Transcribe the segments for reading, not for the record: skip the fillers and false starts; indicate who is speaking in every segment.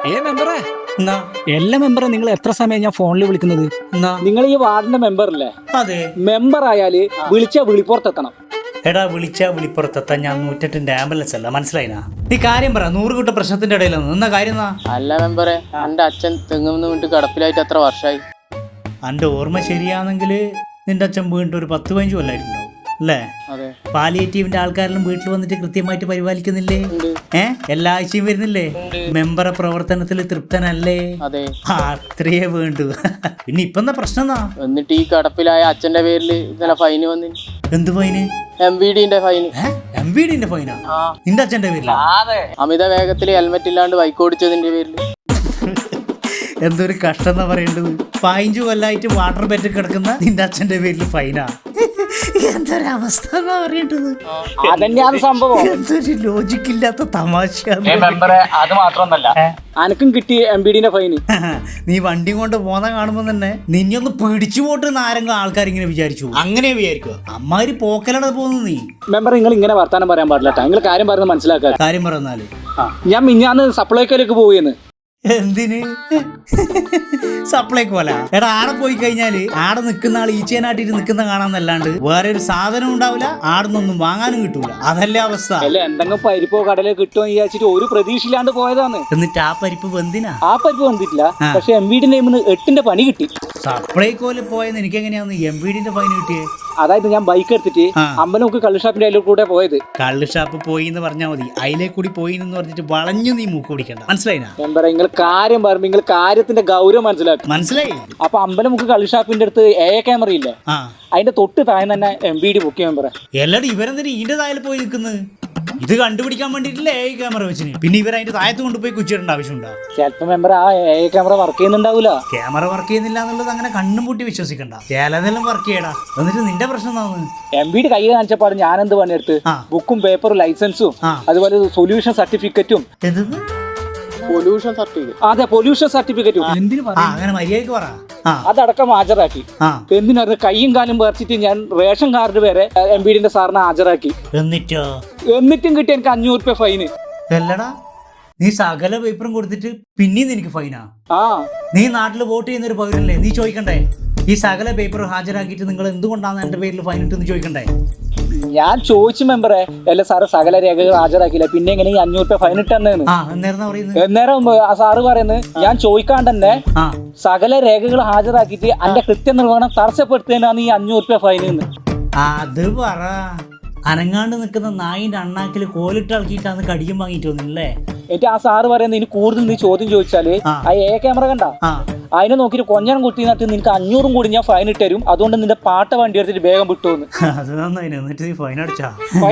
Speaker 1: മെമ്പറേ എല്ലാ മെമ്പറെ നിങ്ങൾ എത്ര സമയം ഞാൻ ഫോണിൽ വിളിക്കുന്നത്? നിങ്ങൾ ഈ വാർഡിന്റെ മെമ്പർ അല്ലേ?
Speaker 2: അതെ.
Speaker 1: മെമ്പർ ആയാല് വിളിച്ചാ വിളിപ്പുറത്തെത്തണം.
Speaker 2: എടാ വിളിച്ചാ വിളിപ്പുറത്തെത്താൻ ഞാൻ 108 ആംബുലൻസ് അല്ല, മനസ്സിലായിനാ? നീ കാര്യം പറ. 100 കൂട്ട പ്രശ്നത്തിന്റെ ഇടയിൽ നിന്ന കാര്യം.
Speaker 3: അല്ല മെമ്പറെ, എന്റെ അച്ഛൻ തെങ്ങുന്ന വീട്ട് കിടപ്പിലായിട്ട് എത്ര വർഷമായി?
Speaker 2: എന്റെ ഓർമ്മ ശരിയാണെങ്കിൽ നിന്റെ അച്ഛൻ വീണ്ടും ഒരു 10-15 കൊല്ലായിട്ടുണ്ടാവും അല്ലേ? പാലിയേറ്റീവിന്റെ ആൾക്കാരെല്ലാം വീട്ടിൽ വന്നിട്ട് കൃത്യമായിട്ട് പരിപാലിക്കുന്നില്ലേ? എല്ലാ ആഴ്ചയും വരുന്നില്ലേ? മെമ്പറെ പ്രവർത്തനത്തിൽ തൃപ്തനല്ലേ? അത്രയേ വേണ്ടു. പിന്നെ ഇപ്പൊ എന്താ പ്രശ്നം?
Speaker 3: എന്നിട്ട് ഈ കിടപ്പിലായ അച്ഛന്റെ പേരിൽ ഇന്നലെ ഫൈന് വന്നി.
Speaker 2: എന്ത് ഫൈന്?
Speaker 3: MVD-ന്റെ ഫൈന്.
Speaker 2: MVD-ന്റെ ഫൈനാ നിന്റെ അച്ഛന്റെ പേരിൽ?
Speaker 3: അമിത വേഗത്തിൽ ഹെൽമെറ്റ് ഇല്ലാണ്ട് ബൈക്ക് ഓടിച്ചതിന്റെ പേരിൽ.
Speaker 2: എന്തൊരു കഷ്ടം എന്നാ പറയേണ്ടത്. 15 കൊല്ലായിട്ട് വാട്ടർ ബെറ്റ് കിടക്കുന്ന നിന്റെ അച്ഛന്റെ പേരിൽ ഫൈനാ. എന്തൊരവസ്ഥ എന്നാ പറയേണ്ടത്.
Speaker 1: അതന്നെയാണ് സംഭവം.
Speaker 2: എന്തൊരു ലോജിക്കില്ലാത്ത തമാശ.
Speaker 1: അത് മാത്രമൊന്നല്ല, അനക്കും കിട്ടി MVD-ന്റെ ഫൈന്.
Speaker 2: നീ വണ്ടി കൊണ്ട് പോന്ന കാണുമ്പോ തന്നെ നിന്നൊന്ന് പിടിച്ചു പോട്ട് ആരെങ്കിലും ആൾക്കാർ ഇങ്ങനെ വിചാരിച്ചു. അങ്ങനെ വിചാരിക്കുക. അമ്മാര് പോക്കലാണ് പോകുന്നത്. നീ
Speaker 1: മെമ്പർ നിങ്ങൾ ഇങ്ങനെ വർത്താനം പറയാൻ പാടില്ല. നിങ്ങൾ കാര്യം പറയുന്നത് മനസ്സിലാക്കുക.
Speaker 2: കാര്യം പറഞ്ഞാല്
Speaker 1: ഞാൻ മിഞ്ഞാന്ന് സപ്ലൈക്കോയിലേക്ക് പോവുകയെന്ന്.
Speaker 2: എന്തിന്? സപ്ലൈക്ക് പോലെ? എടാ, ആടെ പോയി കഴിഞ്ഞാല് ആടെ നിൽക്കുന്ന ആൾ ഈച്ചേനാട്ടിട്ട് നിൽക്കുന്ന കാണാന്നല്ലാണ്ട് വേറെ ഒരു സാധനം ഉണ്ടാവില്ല. ആടുന്നൊന്നും വാങ്ങാനും കിട്ടൂല. അതല്ലേ അവസ്ഥ.
Speaker 1: അല്ല, എന്തെങ്കിലും പരിപ്പോ കടലോ കിട്ടുമോ വിചാരിച്ചിട്ട് ഒരു പ്രതീക്ഷയില്ലാണ്ട് പോയതാണ്.
Speaker 2: എന്നിട്ട് ആ പരിപ്പ് വെന്തിനാ?
Speaker 1: ആ പരിപ്പ് വന്നിട്ടില്ല. പക്ഷെ MVD-ന്റെ 8-ന്റെ പണി കിട്ടി.
Speaker 2: സപ്ലൈക്കോല് പോയെന്ന് എനിക്ക് എങ്ങനെയാന്ന് MVD-ന്റെ ഫൈൻ കിട്ടിയേ?
Speaker 1: അതായത് ഞാൻ ബൈക്ക് എടുത്തിട്ട് അമ്പലമുക്ക് കള്ള് ഷാപ്പിന്റെ അതിലൂടെ കൂടെ പോയത്.
Speaker 2: കള്ള് ഷാപ്പ് പോയി എന്ന് പറഞ്ഞാൽ മതി. അതിലേ കൂടി പോയി എന്ന് പറഞ്ഞിട്ട് വളഞ്ഞു നീ മൂക്ക് പിടിക്കണ്ട. മനസ്സിലായിനാ?
Speaker 1: മെമ്പറ, നിങ്ങൾ കാര്യം പറയുമ്പോ നിങ്ങൾ കാര്യത്തിന്റെ ഗൗരവം മനസ്സിലാക്കും.
Speaker 2: മനസ്സിലായി?
Speaker 1: അപ്പൊ അമ്പലമുക്ക് കള്ള് ഷാപ്പിന്റെ അടുത്ത് AA ക്യാമറ ഇല്ലേ? അതിന്റെ തൊട്ട് താഴെ തന്നെ MVD ബുക്ക് ചെയ്യാൻ പറ.
Speaker 2: എല്ലാടും ഇവരെന്തിനാ ഇതിന്റെ താഴെ പോയി നിൽക്കുന്നത്? ഇത് കണ്ടുപിടിക്കാൻ വേണ്ടിട്ടില്ലേ AA ക്യാമറ വെച്ചിന്? പിന്നെ ഇവർ അതിന്റെ താഴത്ത് കൊണ്ടുപോയി കുച്ചിടേണ്ട ആവശ്യമുണ്ടോ?
Speaker 1: ചിലപ്പോ മെമ്പർ ആ AA ക്യാമറ വർക്ക് ചെയ്യുന്നുണ്ടാവൂല.
Speaker 2: ക്യാമറ വർക്ക് ചെയ്യുന്നില്ല എന്നുള്ളത് അങ്ങനെ കണ്ണും പൂട്ടി വിശ്വസിക്കണ്ട. ചിലതെല്ലാം വർക്ക് ചെയ്യടാ. എന്നിട്ട് നിന്റെ പ്രശ്നം എന്താന്ന്?
Speaker 1: MVD കൈ കാണിച്ചപ്പാട് ഞാൻ എന്ത് പണിയെടുത്ത് ബുക്കും പേപ്പറും ലൈസൻസും അതുപോലെ സൊല്യൂഷൻ സർട്ടിഫിക്കറ്റും.
Speaker 3: Pollution certificate?
Speaker 1: അതെ, പൊല്യൂഷൻ സർട്ടിഫിക്കറ്റും.
Speaker 2: അങ്ങനെ മര്യാദക്ക് പറ.
Speaker 1: അതടക്കം ഹാജരാക്കി. എന്തിനായിരുന്നു കൈയും കാലും പറിച്ചിട്ട് ഞാൻ റേഷൻ കാർഡ് വരെ MVD-ന്റെ സാറിനെ ഹാജരാക്കി. എന്നിട്ടും കിട്ടി എനിക്ക് 500 രൂപ ഫൈന്.
Speaker 2: അല്ലടാ, നീ സകല പേപ്പറും കൊടുത്തിട്ട് പിന്നെയും നിനക്ക് ഫൈനാ? നീ നാട്ടിൽ വോട്ട് ചെയ്യുന്ന ഒരു പൗരല്ലേ? നീ ചോദിക്കണ്ടേ ഈ സകല പേപ്പർ ഹാജരാക്കിയിട്ട് നിങ്ങൾ എന്തുകൊണ്ടാണ് എന്റെ പേരിൽ ഫൈൻ ഇട്ടെന്ന് ചോദിക്കണ്ടേ?
Speaker 1: ഞാൻ ചോദിച്ചു മെമ്പറെ, അല്ല സാറ് സകല രേഖകൾ ഹാജരാക്കില്ല, പിന്നെ എങ്ങനെ 500 രൂപ ഫൈൻ ഇട്ടെന്ന്. അന്നേരം ആ സാറ് പറയുന്നത് ഞാൻ ചോദിക്കാണ്ട് തന്നെ സകല രേഖകൾ ഹാജരാക്കിയിട്ട് എന്റെ കൃത്യനിർവഹണം തടസ്സപ്പെടുത്തുന്നതിനാണ് ഈ 500 രൂപ ഫൈൻ.
Speaker 2: അത് പറ. അനങ്ങാണ്ട് നിൽക്കുന്ന നായിന്റെ അണ്ണാക്കിൽ കോലിട്ട് ഇളക്കിയിട്ടാണ് കടിയും വാങ്ങിയിട്ട് വന്നില്ലേ?
Speaker 1: എന്നിട്ട് ആ സാറ് പറയുന്നത് ഇനി കൂടുതൽ നീ ചോദ്യം ചോദിച്ചാല് ആ AA ക്യാമറ കണ്ട അതിനെ നോക്കിട്ട് കൊഞ്ഞാൻ കുത്തി നട്ട് നിനക്ക് 500 കൂടി ഞാൻ ഫൈൻ ഇട്ടരും. അതുകൊണ്ട് നിന്റെ പാട്ട വണ്ടി എടുത്തിട്ട് വേഗം വിട്ടുവന്ന്.
Speaker 2: ഫൈൻ അടച്ചാ?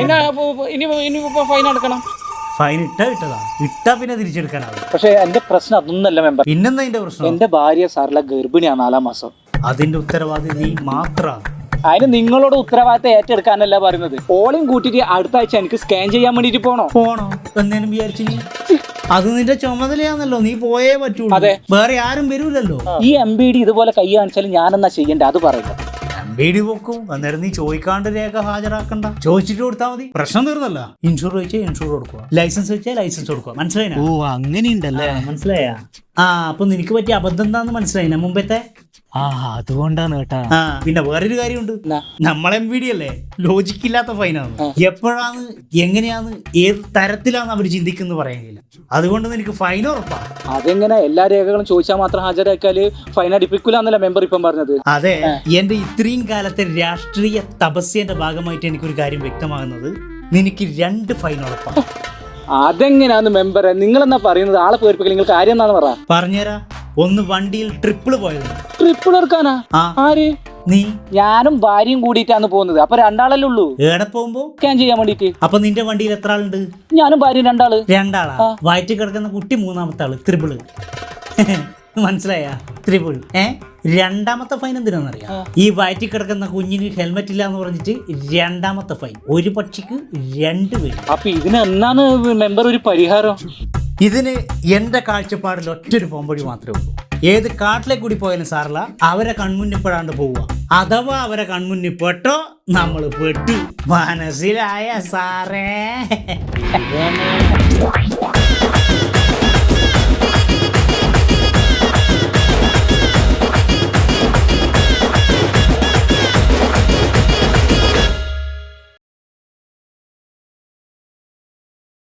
Speaker 1: ഫൈൻ അടക്കണം.
Speaker 2: ഫൈൻ ഇട്ടാ പിന്നെ തിരിച്ചെടുക്കാനാവും.
Speaker 1: പക്ഷെ എന്റെ പ്രശ്നം അതൊന്നല്ല മെമ്പർ.
Speaker 2: പിന്നെന്താ അതിന്റെ പ്രശ്നം?
Speaker 1: എന്റെ ഭാര്യ സാറിലെ ഗർഭിണിയാണ് 4 മാസം.
Speaker 2: അതിന്റെ ഉത്തരവാദി നീ മാത്രമാണ്.
Speaker 1: അതിന് നിങ്ങളോട് ഉത്തരവാദിത്തം ഏറ്റെടുക്കാനല്ല പറയുന്നത്. ഓളയും കൂട്ടിട്ട് അടുത്ത ആഴ്ച എനിക്ക് സ്കാൻ ചെയ്യാൻ വേണ്ടിട്ട് പോണോ
Speaker 2: എന്നേലും വിചാരിച്ചു? അത് നിന്റെ ചുമതലയാണല്ലോ, നീ പോയേ പറ്റൂ. അതെ, വേറെ ആരും വരൂലല്ലോ.
Speaker 1: ഈ MVD ഇതുപോലെ കൈ കാണിച്ചാലും ഞാനെന്നാ ചെയ്യണ്ടേ? അത് പറയുക.
Speaker 2: MVD വെക്കും. അന്നേരം നീ ചോദിക്കാണ്ട് രേഖ ഹാജരാക്കണ്ട. ചോദിച്ചിട്ട് കൊടുത്താൽ മതി. പ്രശ്നം തീർന്നല്ല. ഇൻഷൂർ ചോദിച്ചാൽ ഇൻഷൂർ കൊടുക്കുക, ലൈസൻസ് ചോദിച്ചാൽ ലൈസൻസ് കൊടുക്കുക. മനസ്സിലായിനാ?
Speaker 1: ഓ, അങ്ങനെയുണ്ടല്ലേ?
Speaker 2: മനസ്സിലായാ? അപ്പൊ നിനക്ക് പറ്റിയ അബദ്ധം എന്താന്ന് മനസ്സിലായിനാ മുമ്പത്തെ?
Speaker 1: അതുകൊണ്ടാണ് കേട്ടാ.
Speaker 2: പിന്നെ വേറൊരു കാര്യമുണ്ട്. നമ്മളെ MVD അല്ലേ, ലോജിക്കില്ലാത്ത ഫൈനാണ്. എപ്പോഴാണ്, എങ്ങനെയാന്ന്, ഏത് തരത്തിലാണ് അവർ ചിന്തിക്കുന്നത് പറയാനില്ല. അതുകൊണ്ട് നിനക്ക് ഫൈൻ ഉറപ്പാ.
Speaker 1: അതെങ്ങനെ എല്ലാ രേഖകളും ചോദിച്ചാൽ മാത്രം ഹാജരാക്കിയാല് ഫൈൻ അടിപ്പിക്കൂലെന്നല്ല മെമ്പർ ഇപ്പം പറഞ്ഞത്?
Speaker 2: അതെ, എന്റെ ഇത്രയും കാലത്തെ രാഷ്ട്രീയ തപസ്യന്റെ ഭാഗമായിട്ട് എനിക്കൊരു കാര്യം വ്യക്തമാകുന്നത്, നിനക്ക് 2 ഫൈൻ ഉറപ്പാണ്.
Speaker 1: അതെങ്ങനെയാന്ന് മെമ്പറെ നിങ്ങളെന്നാ പറയുന്നത്? ആളെ പേരിപ്പിക്കൽ നിങ്ങൾ കാര്യം എന്നാന്ന് പറ.
Speaker 2: പറഞ്ഞുതരാ. ഒന്ന് വണ്ടിയിൽ ട്രിപ്പിൾ പോയത്.
Speaker 1: ട്രിപ്പിൾ എടുക്കാനാ? ആര്?
Speaker 2: നീ.
Speaker 1: ഞാനും ഭാര്യയും കൂടിയിട്ടാണ് പോകുന്നത്. അപ്പൊ 2 ആളല്ലേ ഉള്ളൂ.
Speaker 2: ഏടെ പോകുമ്പോ
Speaker 1: സ്കാൻ ചെയ്യാൻ വേണ്ടിട്ട്.
Speaker 2: അപ്പൊ നിന്റെ വണ്ടിയിൽ എത്ര ആളുണ്ട്?
Speaker 1: ഞാനും ഭാര്യയും 2 ആള്.
Speaker 2: 2 ആളാ? വയറ്റിൽ കിടക്കുന്ന കുട്ടി 3ാമത്തെ ആള്. ട്രിപ്പിള്. മനസ്സിലായ? ട്രിപ്പിൾ. രണ്ടാമത്തെ ഫൈൻ എന്തിനാണെന്നറിയാം? ഈ വയറ്റിൽ കിടക്കുന്ന കുഞ്ഞിന് ഹെൽമെറ്റ് ഇല്ല എന്ന് പറഞ്ഞിട്ട് 2ാമത്തെ ഫൈൻ. ഒരു പക്ഷിക്ക് 2 പേര്.
Speaker 1: അപ്പൊ ഇതിന് എന്നാണ് മെമ്പർ ഒരു പരിഹാരം?
Speaker 2: ഇതിന് എന്റെ കാഴ്ചപ്പാടിൽ ഒറ്റൊരു പോംവഴി മാത്രമേ ഉള്ളൂ. ഏത് കാട്ടിലെ കൂടി പോയാലും സാറില്ല, അവരെ കൺമുന്നിപ്പെടാണ്ട് പോവുക. അഥവാ അവരെ കൺമുന്നിപ്പെട്ടോ നമ്മൾ പെട്ടു. മനസ്സിലായ സാറേ?